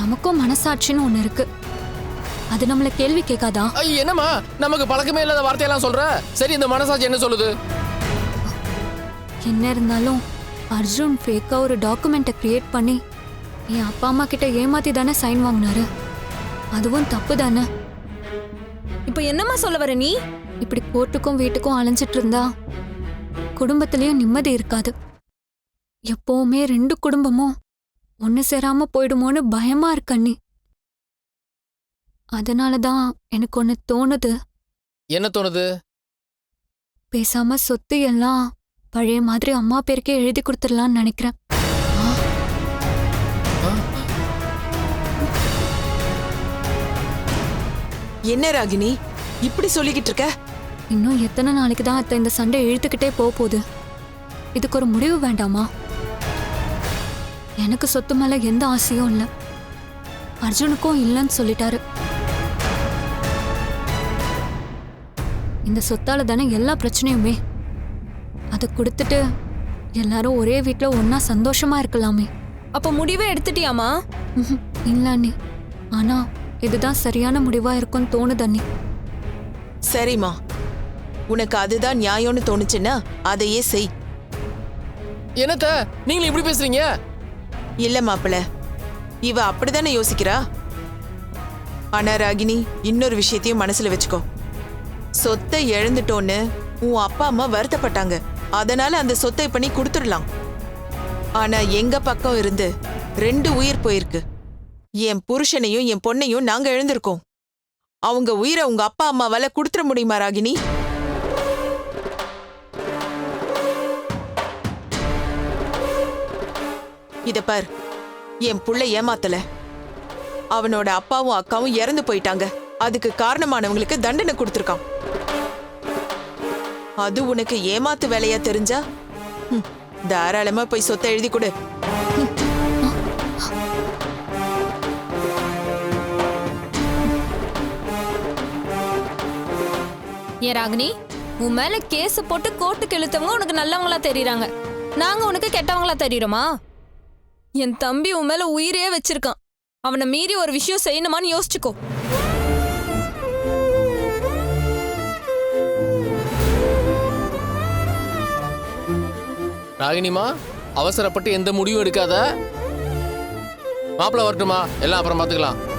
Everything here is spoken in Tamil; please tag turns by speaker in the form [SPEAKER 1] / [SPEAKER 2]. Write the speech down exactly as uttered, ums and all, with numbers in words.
[SPEAKER 1] நமக்கும் மனசாட்சின்னு ஒண்ணு இருக்கு. அது நம்மள கேள்வி கேட்காதா?
[SPEAKER 2] என்னம்மா நமக்கு பழக்கமே இல்லாத வார்த்தையெல்லாம் சொல்ற? சரி, இந்த மனசாட்சி என்ன சொல்லுது?
[SPEAKER 1] என்ன இருந்தாலும் அர்ஜுன் ஃபேக்கா ஒரு டாக்குமெண்ட்டை கிரியேட் பண்ணி என் அப்பா அம்மா கிட்ட ஏமாத்தி தானே சைன் வாங்கினாரு. அதுவும் தப்பு தானே.
[SPEAKER 3] இப்ப என்னம்மா சொல்ல வர நீ?
[SPEAKER 1] இப்படி கோர்ட்டுக்கும் வீட்டுக்கும் அலைஞ்சிட்டு இருந்தா குடும்பத்திலயும் நிம்மதி இருக்காது. எப்பவுமே ரெண்டு குடும்பமும் ஒண்ணு சேராம போயிடுமோன்னு பயமா இருக்கு அண்ணி. அதனாலதான் எனக்கு ஒண்ணு தோணுது.
[SPEAKER 2] என்ன தோணுது?
[SPEAKER 1] பேசாம சொத்து எல்லாம் பழைய மாதிரி அம்மா பேருக்கே எழுதி கொடுத்துடலான்னு நினைக்கிறேன்.
[SPEAKER 4] என்ன ராகினி இப்படி சொல்லிக்கிட்டு இருக்க?
[SPEAKER 1] இன்னும் எத்தனை நாளைக்கு தான் அத்தை இந்த சண்டை இழுத்துக்கிட்டே போக போகுது? இதுக்கு ஒரு முடிவு வேண்டாமா? எனக்கு சொத்து மேல எந்த ஆசையும் இல்லை, அர்ஜுனுக்கும் இல்லைன்னு சொல்லிட்டாரு. இந்த சொத்தால தானே எல்லா பிரச்சனையுமே. அதை கொடுத்துட்டு எல்லாரும் ஒரே வீட்டுல ஒன்னா சந்தோஷமா இருக்கலாமே.
[SPEAKER 3] அப்ப முடிவே எடுத்துட்டியாமா?
[SPEAKER 1] இல்ல அண்ணி, ஆனா இதுதான் சரியான முடிவா இருக்கும்னு தோணுது அண்ணி.
[SPEAKER 4] சரிம்மா, உனக்கு அதுதான் நியாயம்னு தோணுச்சுன்னா அதையே செய்.
[SPEAKER 2] என்னத்த நீங்க இப்படி பேசுறீங்க?
[SPEAKER 4] இல்ல மாப்பிள்ள, இவ அப்படிதானே யோசிக்கிறா. ஆனா ராகினி, இன்னொரு விஷயத்தையும் மனசுல வச்சுக்கோ. சொத்தை இழந்துட்டோன்னு உன் அப்பா அம்மா வருத்தப்பட்டாங்க. அதனால அந்த சொத்தை பண்ணி கொடுத்துடலாம். ஆனா எங்க பக்கம் இருந்து ரெண்டு உயிர் போயிருக்கு. என் புருஷனையும் என் பொண்ணையும் நாங்க எழுந்திருக்கோம். அவங்க உயிரை உங்க அப்பா அம்மாவால கொடுத்துட முடியுமா ராகினி? இத பார், என் புள்ள ஏமாத்தல. அவனோட அப்பாவும் அக்காவும் இறந்து போயிட்டாங்க. அதுக்கு காரணமானவங்களுக்கு தண்டனை கொடுத்திருக்கான். அது உனக்கு ஏமாத்து வேலையா தெரிஞ்சா தாராளமா போய் சொத்தை எழுதி கொடு.
[SPEAKER 3] ஏ ராகினி, உன் மேல கேஸ் போட்டு கோர்ட்டுக்கு இழுத்தவங்க உனக்கு நல்லவங்களா தெரியறாங்க. நாங்க உனக்கு கெட்டவங்களா தெரியுறோமா? என் தம்பி உன் மேல உயிரே வச்சிருக்கான். அவனை மீறி ஒரு விஷயம் செய்யணுமான்னு யோசிச்சுக்கோ.
[SPEAKER 2] ராகினிமா, அவசரப்பட்டு எந்த முடிவும் எடுக்காத. மாப்பிள்ள வரட்டுமா? எல்லாம் அப்புறம் பாத்துக்கலாம்.